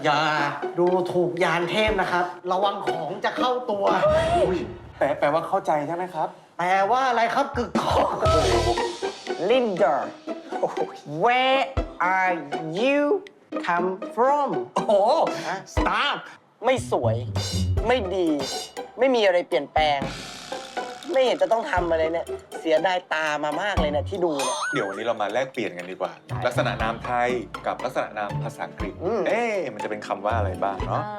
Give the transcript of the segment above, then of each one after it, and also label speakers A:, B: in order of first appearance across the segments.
A: อย่าดูถูกยานเทพนะครับ ระวังของจะเข้าตัว
B: แปลว่าเข้าใจใช่ไหมครับ
A: แปลว่าอะไรครับกึกก้อง
C: Linda where are you come from
A: โอ้โห
C: stop ไม่สวย ไม่ดี ไม่มีอะไรเปลี่ยนแปลง ไม่เห็นจะต้องทำอะไรเนี่ย เสียดายตามามากเลยเนี่ยที่ดูเนี่ย
B: เดี๋ยววันนี้เรามาแลกเปลี่ยนกันดีกว่า ลักษณะนามไทยกับลักษณะนามภาษาอังกฤษ มันจะเป็นคำว่าอะไรบ้างเนาะ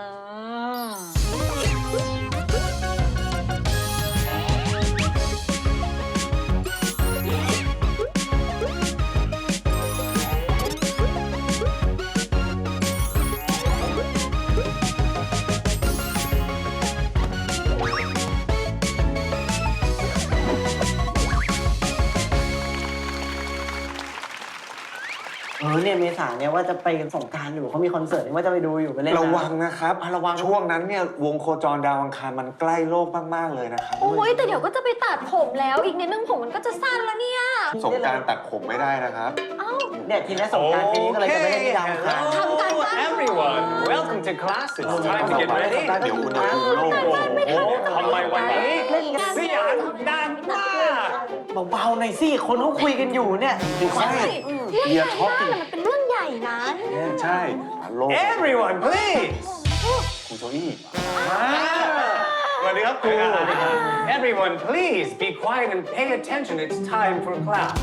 A: เนี่ยเมษาเนี่ยว่าจะไปสงกรานต์อยู่เขามีคอนเสิร์ตว่าจะไปดูอยู่ไปเล่นน้ำ
B: ระวังนะครับ
A: ระวัง
B: ช่วงนั้นเนี่ยวงโคจรดาวอังคารมันใกล้โลกมากๆเลยนะครับ
D: โอ้ยแต่เดี๋ยวก็จะไปตัดผมแล้วอีกนิดนึงผมมันก็จะสั้นแล้วเนี่ย
B: สงกรารตัดผมไม่ได้นะครับ
D: เอ้า
A: เนี่ยทีนี้สงกรานต์ปีนี้ก็เลยจะไปเล่นที่ดาวอังคาร
D: ทำการบ้าน
E: everyone. Welcome to class. It's time to get ready.
B: เดี๋ยวอุณหภูมิโลก
E: โอ้โหทำไมวันนี้
A: เล่นกัน
E: เสียงดังมาก
A: เบาๆหน่อยสิคนเขาคุยกันอยู่เนี่ย
D: ใช่เรื่องใหญ่มากอะมันเป็นเรื่องใหญ่นะ
B: ใช่โลก
E: Everyone, please.
B: ครูโจอี้
E: สวัสดีครับครู Everyone, please be quiet and pay attention. It's time for class.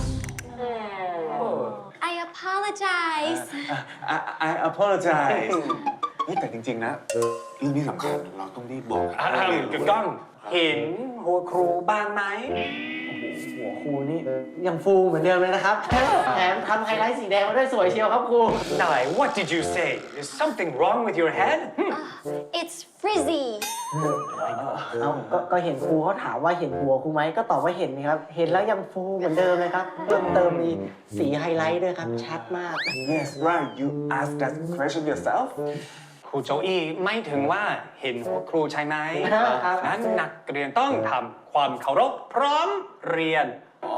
D: I apologize
B: I apologize แต่จริงๆนะเรื่องนี้สำคัญเราต้องรีบบอก
E: กึกก้องเห็นหัวครูบ้างไหม
A: หัวครูนี่ยังฟูเหมือนเดิมเลยนะครับ แถมทำไฮไลท์สีแดงมาด้วยสวยเชียวครับครู
E: นาย what did you say? Is something wrong with your head?
D: It's frizzy
A: เอาก็เห็นครูเขาถามว่าเห็นหัวครูไหมก็ตอบว่าเห็นครับ เห็นแล้วยังฟูเหมือนเดิมเลยครับ เพิ่มเติมมีสีไฮไลท์ด้วยครับ ชัดมาก
B: Yes right you ask that question yourself
E: ครูโจอี้ไม่ถึงว่าเห็นหัวครูใช่ไหม
A: ครับ
E: นั้นนักเรียนต้องทำความเคารพพร้อมเรียน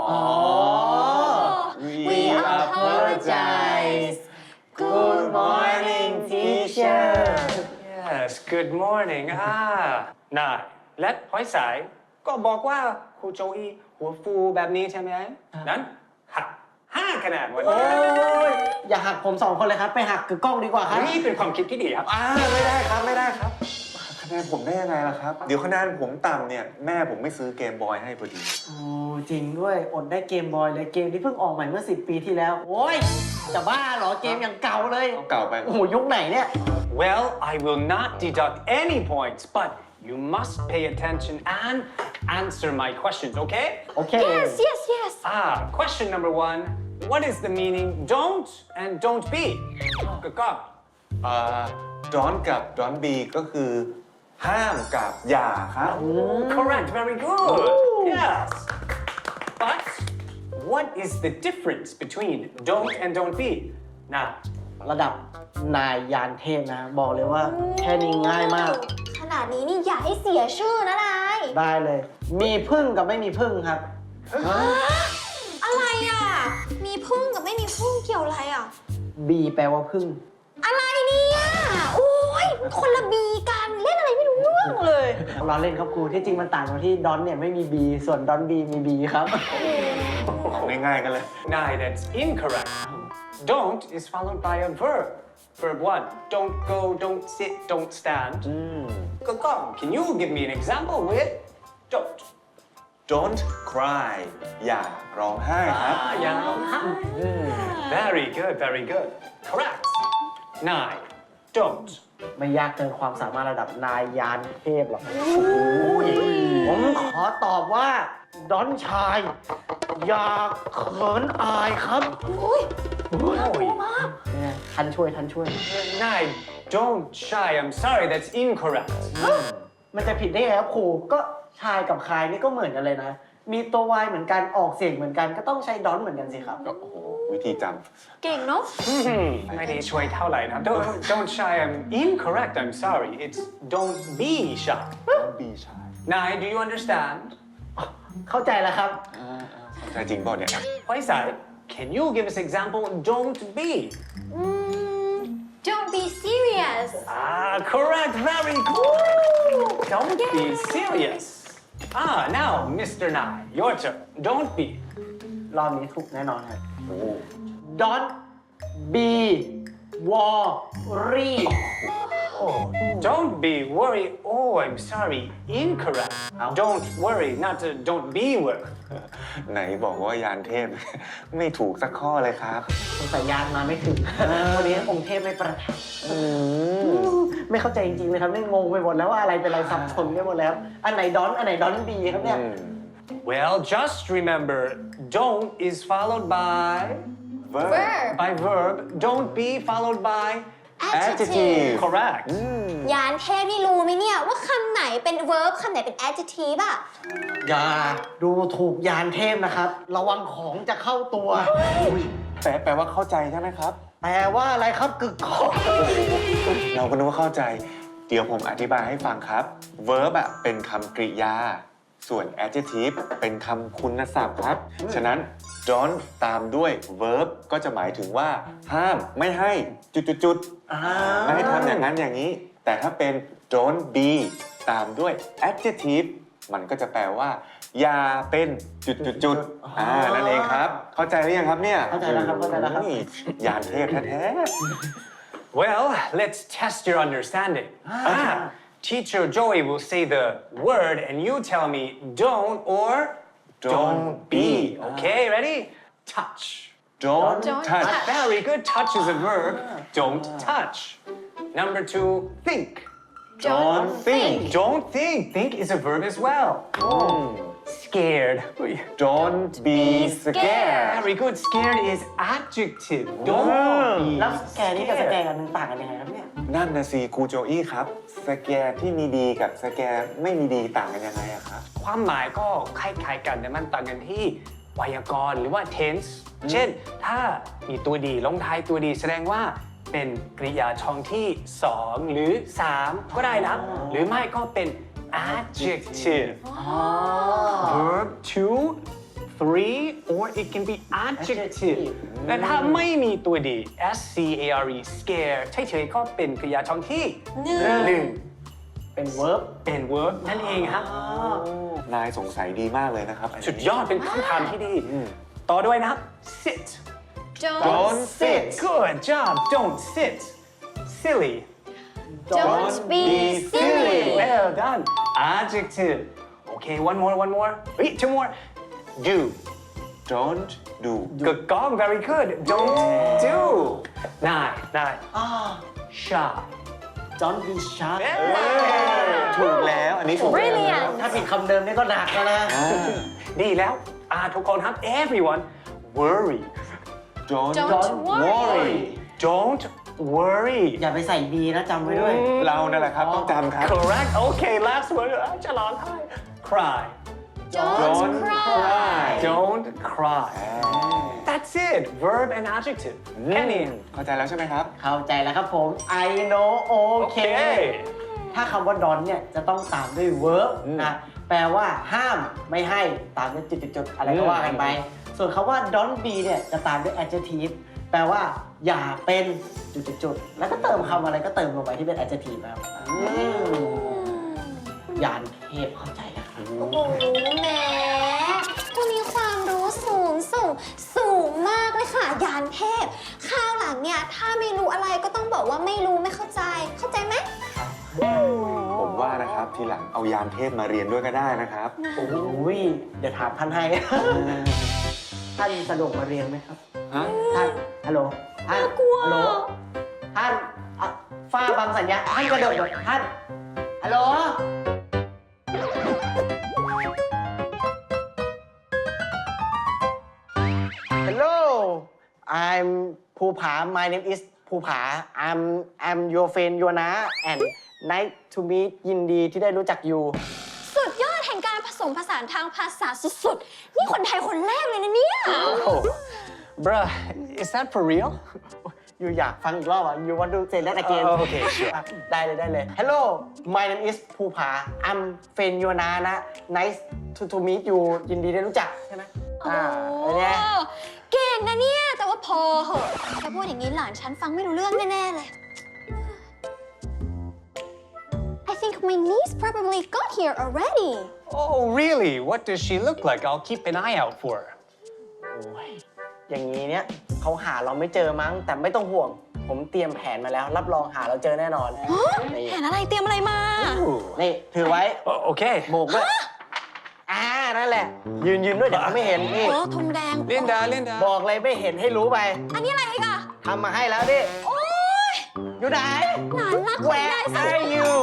D: We apologize
A: Good morning teacher
E: Yes good morning นายและหอยสายก็บอกว่าครูโจอี้หัวฟูแบบนี้ใช่ไหมนั้นหัก5 คะแนนวันนี้
A: อย่าหักผม2 คนเลยครับ ไปหักกึกกล้องดีกว่าครับ
E: นี่เป็นความคิดที่ดีครับ
B: ไม่ได้ครับไม่ได้ครับคะแนนผมได้ยังไงล่ะครับ เดี๋ยวคะแนนผมต่ำเนี่ยแม่ผมไม่ซื้อเกมบอยให้พอดี
A: โอ้จริงด้วยอดได้เกมบอยเลยเกมที่เพิ่งออกใหม่เมื่อ10 ปีที่แล้ว โอ้ยจะบ้าเหรอเกมอย่างเก่าเลย
B: เอาเก่าไป
A: โอ้โหยุคไหนเนี่ย
E: Well I will not deduct any points but you must pay attention and answer my questions okay
A: โอเค
D: yes
E: question number 1 what is the meaning don't and don't be ก็
B: don't กับ don't be ก็คือห้ามกับอย่าครับ
E: correct very good yes but what is the difference between don't and don't be นะ
A: ระดับนายยานเทพนะ บอกเลยว่าแค่นี้ง่ายมาก
D: ขนาดนี้นี่อย่าให้เสียชื่อนะนาย
A: ได้เลย มีพึ่งกับไม่มีพึ่งครับ
D: อะไรอ่ะ มีพึ่งกับไม่มีพึ่งเกี่ยวอะไรอ่ะ
A: บีแปลว่าพึ่ง
D: อะไรเนี่ยโอ้ยคนละบีกันเล่นอะไรไม่รู้เรื่องเลย
A: เราเล่นครับครูที่จริงมันต่างกันที่ดอนเนี่ยไม่มีบีส่วนดอนบีมีบีครับ
B: ของง่ายๆกันเลย
E: No, that's incorrect. Don't is followed by a verb. Verb 1. Don't go, don't sit, don't stand. Come, can you give me an example with don't?
B: don't cry อย่าร้องไห้ครับ
E: Very good, very good. Correct. 9. Don't.
A: ไม่ยากเกินความสามารถระดับนายยานเทพหรอกผมขอตอบว่า ดอนชาย อย่าเขินอายครับ เนี่ยท่านช่วย
E: 9. Don't shy. I'm sorry, that's incorrect.
A: มันจะผิดได้ไงครับครู ก็ชายกับคายนี่ก็เหมือนกันเลยนะ มีตัววายเหมือนกันออกเสียงเหมือนกันก็ต้องใช้ดอนเหมือนกันสิครับ
B: โอ้โหวิธีจ
D: เก่งเนาะ
E: ไม่ได้ช่วยเท่าไหร่นะ Don't shy. I'm incorrect. I'm sorry. It's don't be shy.
B: ำ don't be shy
E: Nine, do you understand?
A: เข้าใจแล้วครับ
B: ใช่จริงเปล่าเนี่ย
E: Faisal, can you give us example don't be?
D: Don't be serious
E: Correct. Very good. Don't be serious. Now, Mr. Nye, your turn. Don't be.
A: รอบนี้ถูกแน่นอนครับ Don't be worry
E: Don't be worried. Oh, I'm sorry. Incorrect. Don't worry, not don't be worried.
B: ไหนบอกว่ายานเทพ ไม่ถูกสักข้อเลยครับ
A: สงสัยยานมาไม่ถึง วันนี้องค์เทพไม่ประทับไม่เข้าใจจริงๆเลยครับนี่งงไปหมดแล้วว่าอะไรเป็นอะไรสับสนไปหมดแล้ว อันไหนดอนอันไหนดอนบีครับเนี่ย
E: Well, just remember, don't is followed by
D: verb
E: verb. Don't be followed by
D: adjective
E: Correct.
D: ยานเทพนี่รู้ไหมเนี่ยว่าคำไหนเป็น verb คำไหนเป็น adjective อะ
A: อย่าดูถูกยานเทพนะครับ ระวังของจะเข้าตัว
B: แปลว่าเข้าใจใช่ไหมครับ
A: แปลว่าอะไรครับกึกก้อง
B: เราก็นึกว่าเข้าใจ เดี๋ยวผมอธิบายให้ฟังครับ verb อะเป็นคำกริยา ส่วน adjective เป็นคำคุณศัพท์ครับ ฉะนั้น don't ตามด้วย verb ก็จะหมายถึงว่า ห้ามไม่ให้จุดๆไม่ให้ทำอย่างนั้นอย่างนี้ แต่ถ้าเป็น don't be ตามด้วย adjective มันก็จะแปลว่า อย่าเป็นจุดๆนั่นเองครับ เข้าใจหรือยังครับเนี่ย
A: เข้าใจแล้วครับเข้าใจแล้วครับ
B: โอ้ยยานเทพแท้
E: Well, let's test your understanding. Teacher Joey will say the word and you tell me don't or don't be. Okay, ready? Touch.
B: don't
D: Don't
B: touch
D: touch.
E: Very good. Touch is a verb. Don't touch. Number 2, think.
B: don't think
E: Don't think. Think is a verb as well. Scared.
B: don't be scared
E: Very good. Scared is adjective. Don't be
A: แล้วสแกนนี่กับสแกน
E: scared.
A: กันหนึ่งต่างกันยังไงครับเนี่ย
B: นั่นนะสิครูโจอี้ครับ สแกนที่มีดีกับสแกนไม่มีดีต่างกันยังไงอะครับ
E: ความหมายก็คล้ายๆกันแต่มันต่างกันที่ไวยากรณ์หรือว่า tense เช่น ถ้ามีตัวดีลงท้ายตัวดีแสดงว่าเป็นกริยาช่องที่ 2 หรือ 3 ก็ได้นะ หรือไม่ก็เป็น adjective verb 2 3 or it can be adjective และถ้าไม่มีตัวดี scare scare เฉยๆก็เป็นกริยาช่องที่ 1
A: เป็น verb
E: เป็น verb นั่นเองครับ
B: นายสงสัยดีมากเลยนะครับอันนี้
E: สุดยอดเป็นคำถามที่ดี ต่อด้วยนะครับ sit
D: don't
B: sit
E: good job don't sit silly
D: don't be silly
E: well done adjective okay one more wait 2 more do
B: don't do
E: good gong very good don't do nine
A: อ่า
E: shy
A: don't be shy
B: ถูกแล้วอันนี้ถูกแล้ว
D: brilliant
A: ถ้าผิดคำเดิมนี่ก็หนักแล้วนะ
E: ดีแล้วทุกคนครับ everyone worry
B: don't
D: Don't worry
E: don't worry
A: อย่าไปใส่ B นะจำไว้ด้วย
B: เรานั่นแหละครับต้องจำครับ
E: correct okay last word จะร้องไห้ cry
D: don't cry
E: don't cry that's it verb and adjective แค่นี้
B: เข้าใจแล้วใช่ไหมครับ
A: เข้าใจแล้วครับผม I know okay
E: okay
A: ถ้าคำว่า don't เนี่ยจะต้องตามด้วย verb นะ แปลว่าห้ามไม่ให้ตามด้วยจุดๆๆอะไรก็ว่ากันไป ส่วนคำว่า don't be เนี่ยจะตามด้วย adjective แปลว่าอย่าเป็นจุดๆๆแล้วก็เติมคำอะไรก็เติมลงไปที่เป็น adjective ครับยานเทพเข้าใจแล้วครับ
D: โอ้โหแหมคุณมีความรู้สูงมากเลยค่ะ ยานเทพคราวหลังเนี่ย ถ้าไม่รู้อะไรก็ต้องบอกว่าไม่รู้ไม่เข้าใจ เข้าใจไหม
B: ผมว่านะครับทีหลังเอายานเทพมาเรียนด้วยก็ได้นะครับ
A: โอ้ยเดี๋ยวถามท่านให้ ท่านสะดวกมาเรียนไหมครับ
B: ฮะ
A: ท่านฮัลโหลท่าน
D: น่ากลัว
A: ฮัลโหลท่านฟ้าบังสัญญาท่านกระโดดท่านฮัลโหล Hello I'm ภูผา My name is ภูผา I'm your friend your นะ and nice to meet ยินดีที่ได้รู้จักอยู่
D: สุดยอดแห่งการผสมผสานทางภาษาสุดๆ นี่คนไทยคนแรกเลยนะเนี่ย
E: bruh is that for real
A: อยู่อยากฟังอีกรอบอ่ะ You want to say that again
E: okay sure
A: ได้เลย Hello my name is ภูผา I'm friend your นะ Nice to meet you ยินดีได้รู้จักใช่ไหม
D: โอ้
A: เป็นไง
D: เก่งนะเนี่ย แต่ว่าพอเหอะแค่พูดอย่างนี้หลานฉันฟังไม่รู้เรื่องแน่ๆเลย my niece probably got here already.
E: Oh, really? What does she look like? I'll keep an eye out for her.
C: โอ้ยอย่างนี้เนี่ยเขาหาเราไม่เจอมั้ง แต่ไม่ต้องห่วง ผมเตรียมแผนมาแล้ว รับรองหาเราเจอแน่นอน นี่
D: แผนอะไรเตรียมอะไรมา
E: Ooh.
C: นี่ถือไว้
E: Okay.
C: โบกด้วยนั่นแหละ ยืนด้วยเดี๋ยวเขาไม่เห็นนี่
D: โอ้ธงแดง
E: Linda, Linda.
C: บอกเลยไม่เห็นให้รู้ไป
D: อันนี้อะไรอีกอะ
C: ทำมาให้แล้วดิ
D: โอ้ย
C: อยู่ไหน
D: หลานรักของ
C: Where
D: ยายสุด
C: are you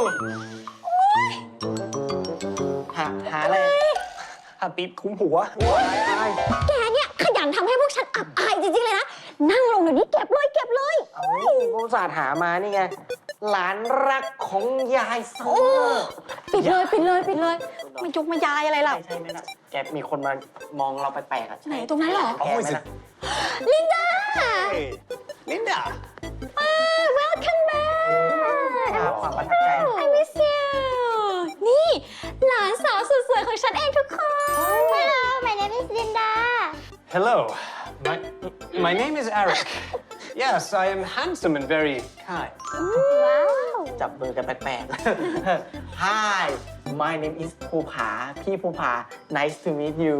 C: หาอะไร
E: Happy คุ้มหัว
D: แกเนี่ยขยันทำให้พวกฉันอับอายจริงๆเลยนะ นั่งลงเดี๋ยวนี้เก็บเลยเก็บเลย
C: เอาอุตส่าห์หามานี่ไง หลานรักของยายเสม
D: โอ้
C: อ
D: ปิดเลยปิดเลยปิดเลยมายกมายายอะไรล่ะ
C: ใช่ไหมล่ะแกมีคนมามองเราแปลกๆอ่ะ
D: ไหนตรงนั้นเหรอ
C: แกไหมล่ะ
D: ลินดา
E: Hey, Linda.
D: welcome back
C: ความประทับใจ
D: I miss you นี่ หลานสาวสุดสวยของฉันเองทุกคน Hello my name is Linda
E: Hello. My name is Eric. Yes, I am handsome and very kind.
D: ว้าว
C: จับมือกันแปลกๆ Hi my name is ภูผา พี่ภูผา Nice to meet you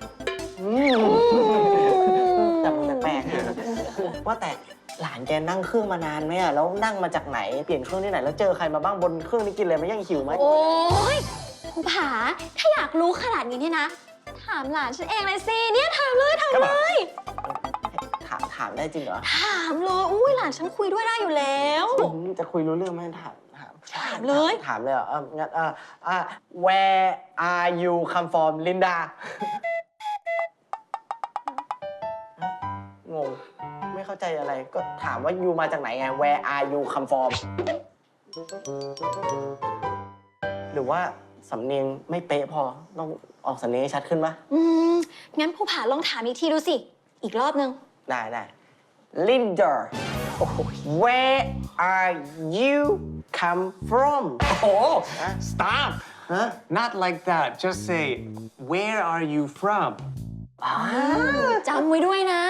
C: จับมือแปลกๆว่าแต่หลานแกนั่งเครื่องมานานไหมอะแล้วนั่งมาจากไหน เปลี่ยนเครื่องที่ไหน แล้วเจอใครมาบ้างบนเครื่องนี้กินอะไรไหมยังหิวไหม
D: โอ้ยภูผา ถ้าอยากรู้ขนาดนี้เนี่ยนะ ถามหลานฉันเองเลยสิ เนี่ยถามเลยถามเลย
C: ถามได้จริงเหรอ
D: ถามเลยอุ้ยหลานฉันคุยด้วยได้อยู่แล้ว
C: จะคุยรู้เรื่องไหมถาม
D: เลย
C: ถามเลยเหรองั้นWhere are you come from Linda งง ไม่เข้าใจอะไร ก็ถามว่ายูมาจากไหนไง Where are you come from หรือว่าสำเนียงไม่เป๊ะพอ ต้องออกสำเนียงให้ชัดขึ้นปะ
D: งั้นภูผาลองถามอีกทีดูสิ อีกรอบนึง
C: ได้ Linda Where are you come from
E: Oh, stop.
C: ฮะ
E: Not like that. Just say, where are you from?
D: จำไว้ด้วยนะ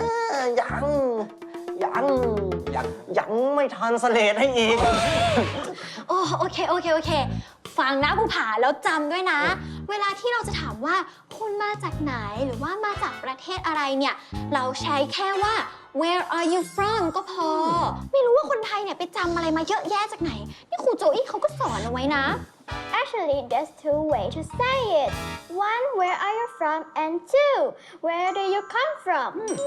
C: ยังไม่ทันสเลดให้อีก
D: โอเค ฟังนะภูผาแล้วจำด้วยนะ เวลาที่เราจะถามว่าคุณมาจากไหนหรือว่ามาจากประเทศอะไรเนี่ย เราใช้แค่ว่า where are you from ก็พอ ไม่รู้ว่าคนไทยเนี่ยไปจำอะไรมาเยอะแยะจากไหน นี่ครูโจอี้เขาก็สอนเอาไว้นะ
F: Actually, there's two ways to say it. One, where are you from? And two, where do you come from?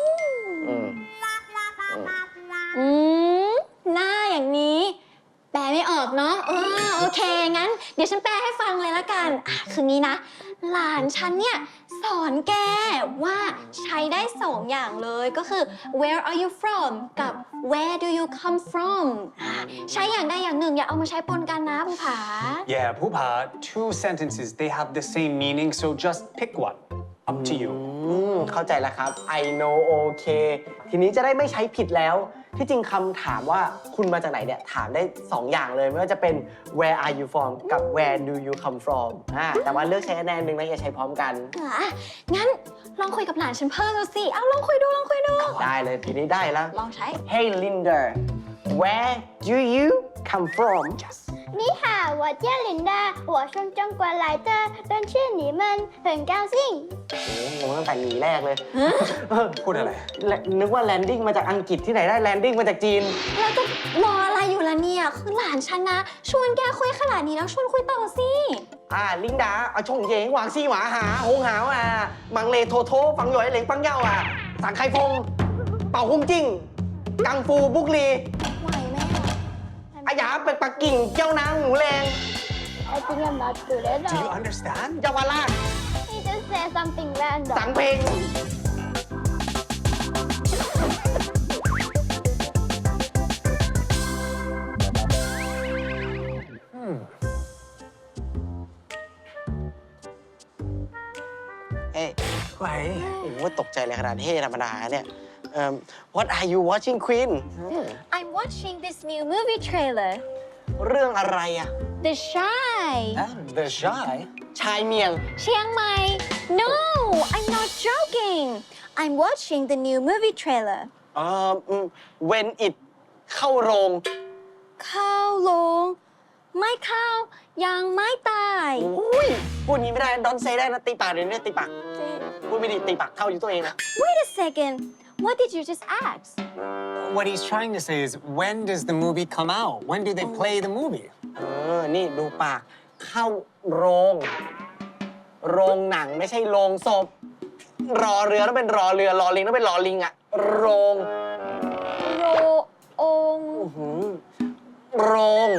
D: หน้าอย่างนี้ แปลไม่ออกเนาะโอเค งั้น เดี๋ยวฉันแปลให้ฟังเลยละกันคืองี้นะ หลานฉันเนี่ยสอนแกว่าใช้ได้สองอย่างเลยก็คือ where are you from กับ where do you come from ใช้อย่างใดอย่างหนึ่งอย่าเอามาใช้ปนกันนะภูผา
E: Yeah, Pupa, two sentences, they have the same meaning, so just pick one. Up to you.
C: เข้าใจแล้วครับ I know okay ทีนี้จะได้ไม่ใช้ผิดแล้ว ที่จริงคำถามว่าคุณมาจากไหนเนี่ย ถามได้ 2 อย่างเลย ไม่ว่าจะเป็น where are you from กับ where do you come from แต่ว่าเลือกใช้อันใดอันหนึ่งนะอย่าใช้พร้อมกัน
D: งั้นลองคุยกับหลานฉันเพิ่มดูสิ เอาลองคุยดู
C: ได้เลยทีนี้ได้แล้ว
D: ลองใช้
C: Hey Linda where do you come from
F: 你好，我叫琳达，我从中国来的，认识你们很高兴。
C: งงตั้งแต่หนีแรกเลย
E: พูดอะไร
C: นึกว่า landing มาจากอังกฤษที่ไหนได้ landing มาจากจีน
D: แล้วจะรออะไรอยู่ล่ะเนี่ย คือหลานฉันนะ ชวนแกคุยขนาดนี้แล้วชวนคุยต่อสิ
C: 琳達啊，從野橫絲話下好考啊，猛利拖拖放咗喺領崩休啊，散開風，爆空精，更富卜利，
D: ไหวไหมอะ
C: 哎呀，白白勁膠囊唔靚，
F: I think I'm not good at
E: Do you
F: all.
E: understand?
C: 又話啦，
F: He just said something random.
C: 散平。เฮ้ย
E: ไหว
C: โอ้โหตกใจเลยขนาดเท่ธรรมดาเนี่ย What are you watching Queen
D: I'm watching this new movie trailer
C: เรื่องอะไรอะ
D: The Shy
E: The shy.
C: ชายเมียง
D: เชียงใหม่ No I'm not joking I'm watching the new movie trailer
C: When it เข้าโรง
D: เข้าโรง ไม่เข้ายังไม่ตาย
C: อุ้ยพูดงี้ไม่ได้ดอนเซได้นะตีปากเดี๋ยวนี้ตีปากพูดไม่ดีตีปากเข้าอยู่ตัวเองนะ
D: Wait a second what did you just ask
E: What he's trying to say is when does the movie come out? When do they play the movie?
C: นี่ดูปากเข้าโรงหนังไม่ใช่โรงศพรอเรือต้องเป็นรอเรือรอลิงต้องเป็นรอลิงอะโรง
D: โรองค์
C: โรง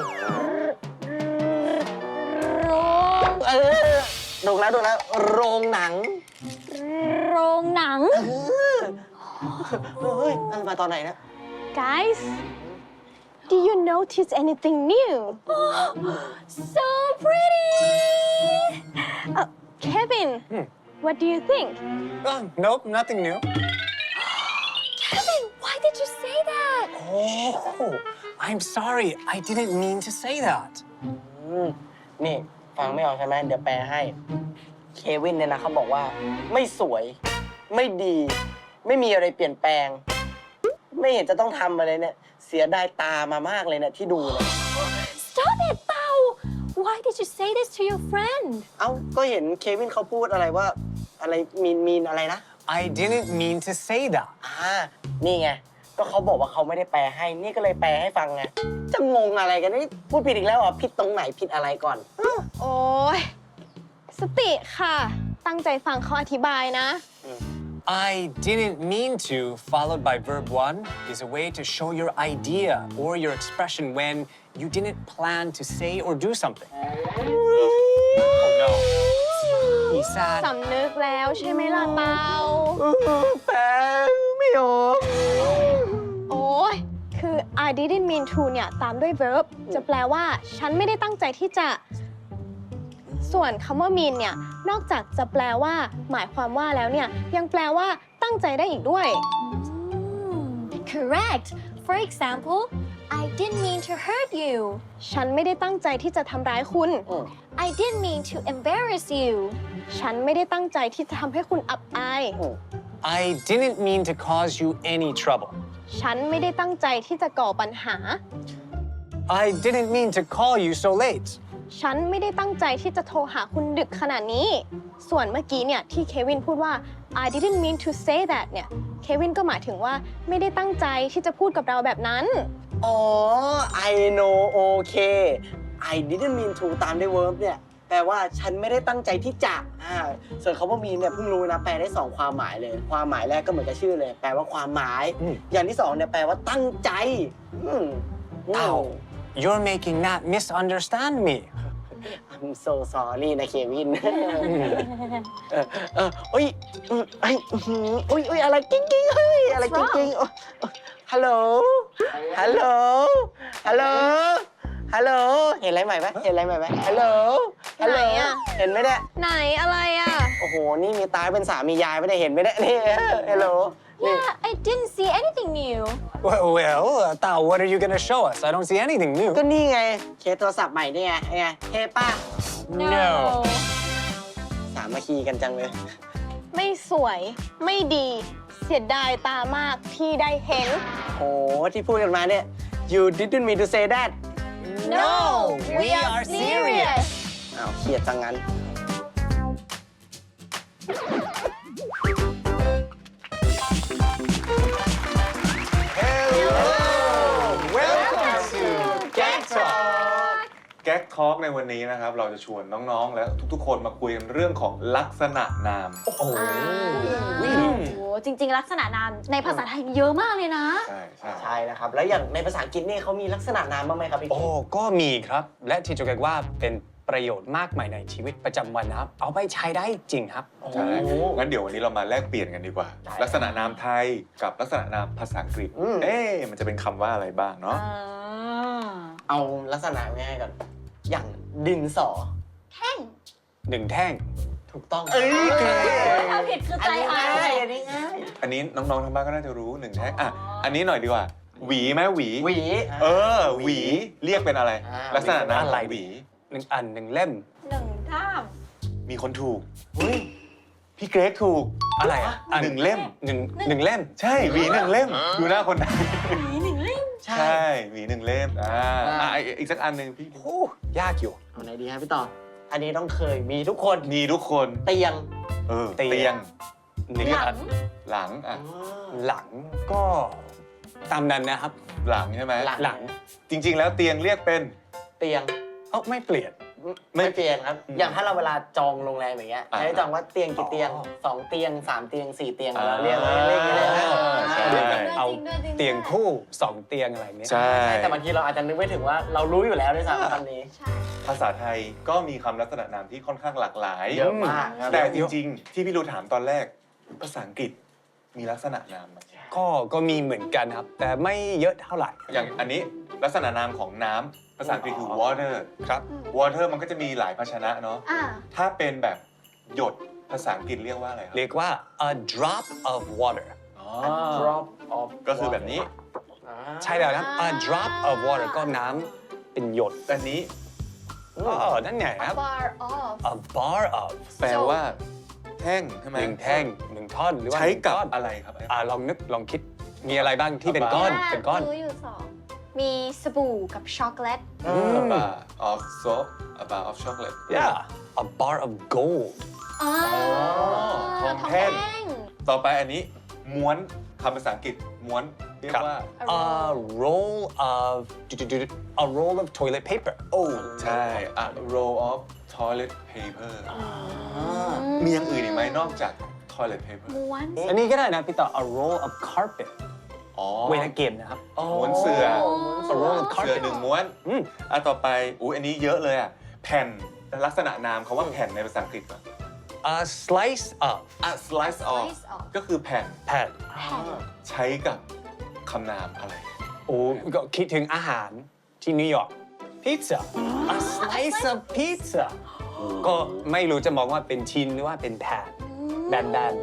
D: โรง
C: ดูแล้วโรงหนัง
D: โรงหนัง
C: เฮ้ยมาตอนไหนนะ
F: Guys, do you notice anything new?
D: so pretty
F: Kevin, what do you think?
E: Oh, nope, nothing new.
D: Kevin why did you say that
E: Oh, I'm sorry. I didn't mean to say that.
C: นี่ฟังไม่ออกใช่ไหมเดี๋ยวแปลให้ เควินเนี่ยนะเขาบอกว่าไม่สวย ไม่ดี ไม่มีอะไรเปลี่ยนแปลง ไม่เห็นจะต้องทำอะไรเนี่ย เสียดายตามามากเลยเนี่ยที่ดูเนี่ย
D: stop it เปา why did you say this to your friend
C: เอ้า ก็เห็นเควินเขาพูดอะไรว่า อะไรมีนอะไรนะ
E: I didn't mean to say that.
C: นี่ไง ก็เขาบอกว่าเขาไม่ได้แปลให้ นี่ก็เลยแปลให้ฟังไง จะงงอะไรกันนี่พูดผิดอีกแล้วเหรอ่ะผิดตรงไหนผิดอะไรก่อน
F: โอ้ยสติค่ะ ตั้งใจฟังเขาอธิบายนะ
E: I didn't mean to, followed by verb 1, is a way to show your idea or your expression when you didn't plan to say or do something. Oh no. He's sad.
F: สำนึกแล้วใช่ไหมล่ะเปา
C: แปลไม่ออก
F: โอ้ยคือ I didn't mean to เนี่ยตามด้วย verb จะแปลว่า ฉันไม่ได้ตั้งใจที่จะ ส่วนคำว่า mean เนี่ย นอกจากจะแปลว่า หมายความว่าแล้วเนี่ย ยังแปลว่าตั้งใจได้อีกด้วย
D: correct for example I didn't mean to hurt you
F: ฉันไม่ได้ตั้งใจที่จะทำร้ายคุณ
D: I didn't mean to embarrass you
F: ฉันไม่ได้ตั้งใจที่จะทำให้คุณอับอาย
E: I didn't mean to cause you any trouble.
F: ฉันไม่ได้ตั้งใจที่จะก่อปัญหา
E: I didn't mean to call you so late.
F: ฉันไม่ได้ตั้งใจที่จะโทรหาคุณดึกขนาดนี้ ส่วนเมื่อกี้เนี่ยที่เควินพูดว่า I didn't mean to say that เนี่ย เควินก็หมายถึงว่าไม่ได้ตั้งใจที่จะพูดกับเราแบบนั้น
C: อ๋อ I know okay I didn't mean to ตามด้วย verb เนี่ย แปลว่าฉันไม่ได้ตั้งใจที่จะส่วนคำว่า mean เนี่ยเพิ่งรู้นะ แปลได้ 2 ความหมายเลย ความหมายแรกก็เหมือนกับชื่อเลย แปลว่าความหมาย อย่างที่ 2 เนี่ยแปลว่าตั้งใจ
E: Ow, you're making Nat misunderstand me.
C: I'm so sorry นะเควินอุ้ยอุ้ยอะไรกิ้งกิ้งเฮ้ยอะไรกิ้งกิ้งฮัลโหลฮัลโหลฮัลโหลฮัลโหลเห็นอะไรใหม่ไหมเห็นอะไรใหม่ไหมฮัลโหลฮัลโหล
F: ไหนอะ
C: เห็นไหมเนี่ย
F: ไหนอะไรอ่ะ
C: โอ้โหนี่มีตาเป็นสามียายไม่ได้เห็นไหมเนี่ยนี่ฮัลโหล
D: yeah I didn't see anything new
E: Well, Tao, what are you gonna show us? I don't see anything new.
C: ก็นี่ไงเคสโทรศัพท์ใหม่นี่ไงไงเท่ป้า
E: No.
C: สามัคคีกันจังเลย
F: ไม่สวยไม่ดี เสียดายตามากที่ได้เห็น
C: โอ้ที่พูดกันมาเนี่ย you didn't mean to say that
E: No, we are serious.
C: อ้าวเครียดจังงั้น
B: Welcome to Gag Talk แก๊กทอล์กในวันนี้นะครับ เราจะชวนน้องๆ และทุกๆ คนมาคุยกันเรื่องของลักษณะนาม
D: โอ้โหจริงๆ ลักษณะนามในภาษาไทยมีเยอะมากเลยนะ
B: ใช่ใช่
C: ใช่นะครับ แล้วอย่างในภาษาอังกฤษนี่เขามีลักษณะนามบ้างไหมครับพี่
E: โอ้ก็มีครับ และที่จะเรียกว่าเป็นประโยชน์มากมายในชีวิตประจำวันนะครับ เอาไปใช้ได้จริงครับ
B: ใช่งั้นเดี๋ยววันนี้เรามาแลกเปลี่ยนกันดีกว่า ลักษณะนามไทยกับลักษณะนามภาษาอังกฤษ มันจะเป็นคำว่าอะไรบ้างเนาะ
C: เอาลักษณะง่ายๆก่อน อย่างดินสอ
E: หนึ่งแท่ง
C: ถูกต้อง
D: ถ้าผิดคือใจหาย
C: อันนี้ง่าย
B: อันนี้น้องๆ ทางบ้านก็น่าจะรู้หนึ่งแท็กอันนี้หน่อยดีกว่า หวีไหมหวี
C: หวี
B: หวี เรียกเป็นอะไร ลักษณะนามของหวี
E: หนึ่งอันหนึ่งเล่ม
D: หนึ่งท่าม
B: มีคนถูก
C: เฮ้ย
B: พี่เกรกถูก
E: อะไรอ่ะ
B: หนึ่งเล่ม
E: หนึ่งเล่ม
B: ใช่หวีหนึ่งเล่ม ดูหน้าคนไทย
A: ใช่
B: ใช่หวีหนึ่งเล่มอีกสักอันหนึ่งพี่
E: โอ้ยากอยู่
C: เอาไหนดีครับพี่ต่อ อันนี้ต้องเคยมีทุกคน
B: มีทุกคน
C: เตียง
E: เตียง
B: เตียง
E: หนึ่ง
D: หลั
E: อั
D: ง
E: น
B: หลังอ่ะ
E: หลังก็ตามนั้นนะครับ
B: หลังใช่ไหม
E: หลัง
B: จริง ๆ แล้วเตียงเรียกเป็น
C: เตียง
E: เอ้าไม่เปลี่ยน
C: ไม่เปลี่ยนครับ
B: อืม
C: อย่างถ้าเราเวลาจองโรงแรมอย่างเงี้ย
B: อ่า
C: ให้จองว่าเตียงกี่เตียง
E: อ๋อ
C: 2 เตียง 3 เตียง 4 เตียง
B: อ่า
C: เราเรียกเลยเรียกอย่างเงี้ยเลยนะ
B: ใช่
E: เดี๋ยวแบบ
D: จริงด้วย
E: เอา
D: จริงด้วย
E: เตียงคู่2 เตียงอะไรเนี้ย
B: ใช่
C: แต่บางทีเราอาจจะนึกไม่ถึงว่าเรารู้อยู่แล้วด้วยซ้ำคำนี้
D: ใช่
B: ภาษาไทยก็มีคำลักษณะนามที่ค่อนข้างหลากหลาย
C: เยอะมากครับ
B: แต่จริง ๆ ที่พี่รู้ถามตอนแรก ภาษาอังกฤษมีลักษณะนามไหม
E: ก็มีเหมือนกันครับ แต่ไม่เยอะเท่าไหร่
B: อย่างอันนี้ลักษณะนามของน้ำภาษาอังกฤษคือ water
E: ครับ
B: water มันก็จะมีหลายภาชนะเนาะ
D: อ่า
B: ถ้าเป็นแบบหยดภาษาอังกฤษเรียกว่าอะไรครับ
E: เรียกว่า a drop of water
C: drop of
B: ก็คือแบบนี้
E: ใช่แล้วครับ a drop of water ก็น้ำเป็นหยด
B: อันนี้
E: อ๋อนั่นไงครับ
D: bar off
E: a bar of
B: แปลว่าแท่งใช่ไหม
E: หนึ่งแท่งหนึ่งท่อนหรือว่า
B: ใช้
E: หนึ่ง
B: กับ
E: ก้อน
B: อะไรครับ
E: ลองนึกลองคิดมีอะไรบ้างที่เป็นก้อนเป็นก้อน
D: รู้อยู่สองมีสบู่กับช็อกโกแลต
B: A bar of soap a bar of chocolate
E: yeah a bar of gold
D: อ๋อ
B: ทองแท่ง ต่อไปอันนี้ม้วนคำภาษาอังกฤษม้วนเรียกว่า
E: a roll of a roll of toilet paper
B: โอ้ใช่ a roll of toilet paper มีอย่างอื่นอีกไหมนอกจาก toilet paper
D: ม้วน
E: อันนี้ก็ได้นะพี่ต่อ a roll of carpet
B: อ๋อ
E: เวลาเกมนะครับ
B: ม้วนเสื่อ
E: a roll of
B: เสื่อ
E: carpet
B: หนึ่งม้วน
E: อืม
B: ต่อไปอันนี้เยอะเลยอ่ะ แผ่นลักษณะนามคำว่าแผ่นในภาษาอังกฤษก่อน
E: a slice of
B: slice of
D: Slice of
B: ก็คือแผ่น
E: แผ่น
B: ใช้กับคำนามอะไร
E: โอ้ก็คิดถึงอาหารที่นิวยอร์ก pizza a slice of pizza ก็ไม่รู้จะมองว่าเป็นชิ้นหรือว่าเป็นแผ่นแบน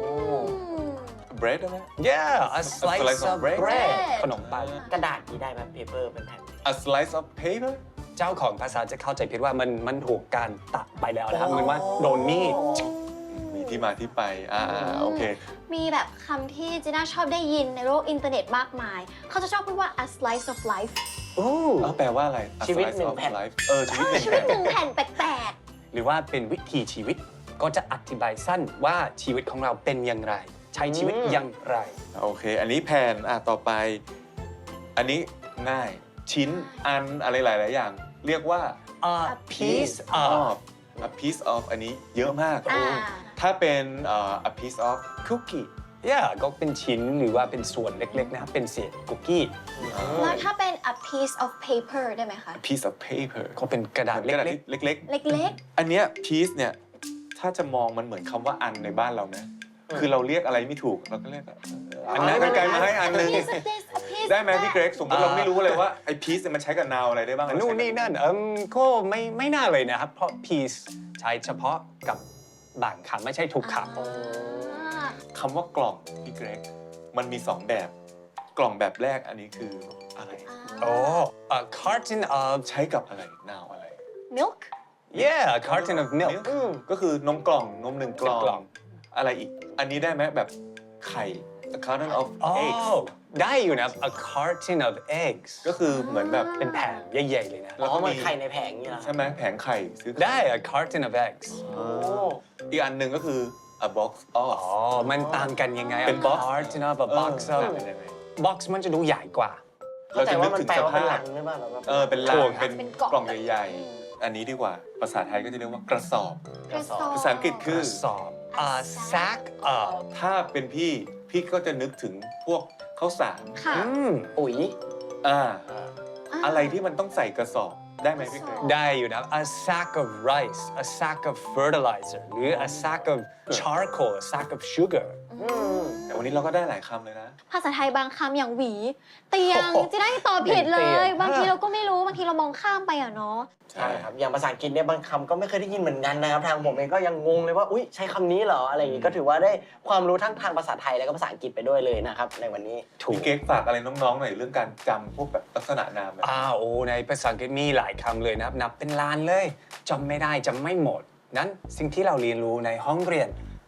B: bread ได้ไหม
E: ๆ yeah a slice
B: slice of
E: of
B: bread
E: bread ขนมปัง
C: กระดาษนี้ได้ไหม paper เป็นแผ่น
B: a slice of paper
E: เจ้าของภาษาจะเข้าใจผิดว่ามันถูกการตัดไปแล้วนะครับเหมือนว่าโดนมีด
B: มีที่มาที่ไปโอเค
D: มีแบบคำที่จีน่าชอบได้ยินในโลกอินเทอร์เน็ตมากมาย เขาจะชอบพูดว่า a slice of life
E: โอ้
B: แปลว่าอะไร A
C: ชีวิต
B: slice
C: หนึ่ง
B: of
C: แผ่น
B: life ชีวิตหนึ่ง
D: ชีวิ
B: แผ่
D: ต
B: น
D: หนึ่งแผ่นแปลก
E: หรือว่าเป็นวิถีชีวิตก็จะอธิบายสั้นว่าชีวิตของเราเป็นอย่างไร ใช้ชีวิตอย่างไร
B: โอเค อันนี้แผ่นต่อไป อันนี้ง่ายชิ้นอันอะไรหลาย ๆ อย่าง เรียกว่า
E: a piece of
B: a piece of อันนี้เยอะมาก
D: ๆ อ่า
B: ถ้าเป็น a piece of cookie
E: yeah ก็เป็นชิ้นหรือว่าเป็นส่วนเล็กๆนะครับเป็นเศษคุกกี้
D: แล้วถ้าเป็น a piece of paper ได้ไหมคะ
B: a piece of paper
E: ก็เป็นกระดาษ
B: เหมือนกระดาษ
E: เล็ก
B: ที่เล็ก
D: เล็ก
B: ๆ อันเนี้ย piece เนี่ย ถ้าจะมองมันเหมือนคำว่าอันในบ้านเรานะ คือเราเรียกอะไรไม่ถูก เราก็เรียกอันนั้นไกลๆมาให้อัน
D: ๆ
B: หนึง
D: piece of this a piece
B: ได้ไหมพี่เกรกสมมติเราไม่รู้เลยว่าไอ้ piece เนี่ยมันใช้กับ noun อะไรได้บ้าง
E: ๆนู่นนี่นั่นก็ไม่น่าเลยนะครับ เพราะ piece ใช้เฉพาะกับบางคำไม่ใช่ทุกคำ
B: คำว่ากล่องพี่เกรกมันมี 2 แบบ กล่องแบบแรกอันนี้คืออะไร
E: โอ้ a carton of
B: ใช้กับอะไร noun อะไร
D: milk
E: yeah a carton of milk
B: ก็คือนมกล่องนม1 กล่
E: กล่
B: อ
E: อง ง
B: อะไรอีก อันนี้ได้ไหมแบบไข่ a carton of
E: อ๋อ
B: eggs
E: ได้อยู่นะครับ a carton of eggs
B: ก็คือเหมือนแบบ
E: เป็นแผ่นใหญ่ๆเลยนะ
B: แล้ว
C: อ๋อ
B: ก็
C: เหมื
B: มี
C: อนไข่ในแผงนี่เหรอ
B: ใช่ไหมแผงไข่ซื้อไข่
E: ได้ a carton of eggs
B: อีกอันหนึ่งก็คือ a box of
E: อ๋อ มันต่างกันยังไง
B: เป็น box
E: carton of a box of
B: เป็นยังไง
E: box มันจะดูใหญ่กว่า
C: เข้าใจว่ามันแปลว่าเป็น
B: เรา
C: หลั
B: จะ
C: ง
B: นึกถึงสภาพ
C: หรือเปล่าแบบว่า
B: เป็นลั
E: ถู
B: ง
E: กครับ
B: เป็นกล่องใหญ่ๆ อันนี้ดีกว่า ภาษาไทยก็จะเรียกว่ากระสอบ
D: กระสอบ
B: ภาษาอังกฤษคือ
E: สอบ a sack of
B: ถ้าเป็นพี่ก็จะนึกถึงพวกข้าวสาร
D: ค่ะ
C: ปุ๋ย
B: อะไรที่มันต้องใส่กระสอบได้ไหมพี่เกรก
E: ได้อยู่นะ a sack of rice a sack of fertilizer หรือ a sack of charcoal a sack of sugar
B: แต่วันนี้เราก็ได้หลายคำเลยนะ
D: ภาษาไทยบางคำอย่างหวี เตียง
E: โอ้โห
D: จะได้ตอบผิดเล
E: เตี
D: ย
E: ยง
D: บางทีเราก็ไม่รู้ บางทีเรามองข้ามไปอ่ะเนาะ
C: ใช่ครับ อย่างภาษาอังกฤษเนี่ยบางคำก็ไม่เคยได้ยินเหมือนกันนะครับ ทางผมเองก็ยังงงเลยว่า อุ๊ย ใช้คำนี้เหรอ อะไรอย่างงี้ ก็ถือว่าได้ความรู้ทั้งทางภาษาไทยแล้วก็ภาษาอังกฤษไปด้วยเลยนะครับในวันนี้
E: ถูก
B: พี่เกรกฝากอะไรน้องๆหน่อยเรื่องการจำพวกแบบลักษณะนามแบบ
E: โอ้ในภาษาอังกฤษมีหลายคำเลยนะครับ นับเป็นล้านเลยจำไม่ได้จำไม่หมด นั้นสิ่งที่เราเรียนรู้ในห้องเรียน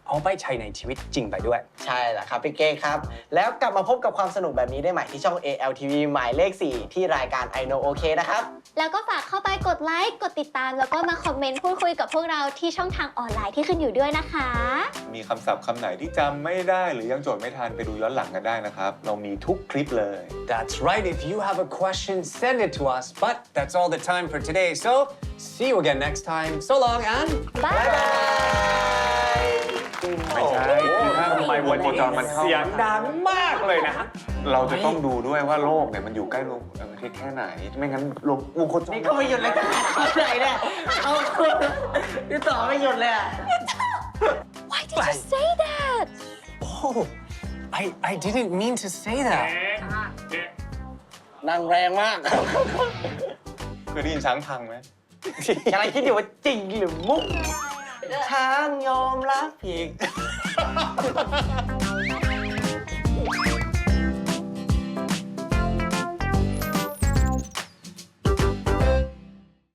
E: เอาไปใช้ในชีวิตจริงไปด้วย
C: ใช่แล้วครับพี่เก้ครับ แล้วกลับมาพบกับความสนุกแบบนี้ได้ใหม่ที่ช่อง ALTV หมายเลข 4 ที่รายการ I Know OK นะครับ
D: แล้วก็ฝากเข้าไปกดไลค์ กดติดตาม แล้วก็มาคอมเมนต์พูดคุยกับพวกเราที่ช่องทางออนไลน์ที่ขึ้นอยู่ด้วยนะคะ
B: มีคำศัพท์คำไหนที่จำไม่ได้หรือยังโจทย์ไม่ทันไปดูย้อนหลังกันได้นะครับ เรามีทุกคลิปเลย
E: That's right. If you have a question, send it to us. But that's all the time for today. So see you again next time. So long and
D: บ๊ายบาย
B: ไม่ใช่คือถ้า
E: ทำไมวันนี้
B: วงจรมันเข้า
E: เสียงดังมากเลยนะ
B: เราจะต้องดูด้วยว่าโลกเนี่ยมันอยู่ใกล้วงประเทศแค่ไหน ไม่งั้นวงโคจร
A: นี่ก็ไม่หยุดเลยเอาไหนเนี่ยเอาคุณนี่ต่อไม่หยุดเลยอะ
D: Why did you say that
E: Oh, I didn't mean to say that.
C: นั่งแรงมาก
B: เคยได้ยินช้างพังไหม
C: กำลังคิดอยู่ว่าจริงหรือมุก ช้างยอมรับผิด